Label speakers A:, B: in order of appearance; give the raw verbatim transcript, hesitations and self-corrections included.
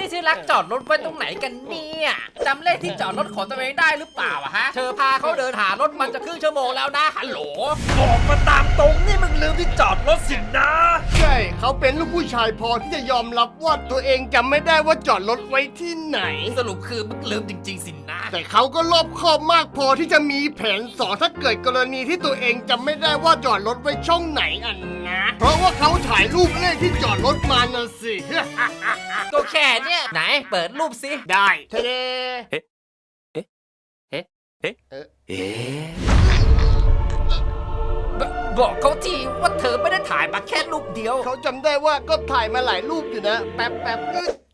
A: ที่รักจอดรถไว้ตรงไหนกันเนี่ยจำเลขที่จอดรถของตัวเองได้หรือเปล่าอะฮะเธอพาเขาเดินหารถมันจะครึ่งชั่วโมงแล้วนะฮัลโหล
B: บอกมาตามตรงนี่มึงลืมที่จอดรถสินะ
C: ใช่เขาเป็นลูกผู้ชายพอที่จะยอมรับว่าตัวเองจำไม่ได้ว่าจอดรถไว้ที่ไหน
A: สรุปคือมึงลืมจริงๆสินะ
C: แต่เขาก็รอบคอบมากพอที่จะมีแผนสองถ้าเกิดกรณีที่ตัวเองจำไม่ได้ว่าจอดรถไว้ช่องไหนอันนะ เพราะว่าเขาถ่ายรูปเลขที่จอดรถมาน่ะสิ
A: ก็แค่เนี่ยไหนเปิดรูปสิ
C: ได้เทเด
A: บบอกเขาทีว่าเธอไม่ได้ถ่ายมาแค่รูปเดียว
C: เขาจำได้ว่าก็ถ่ายมาหลายรูปอยู่นะ แป๊บแป๊บอึ๊ด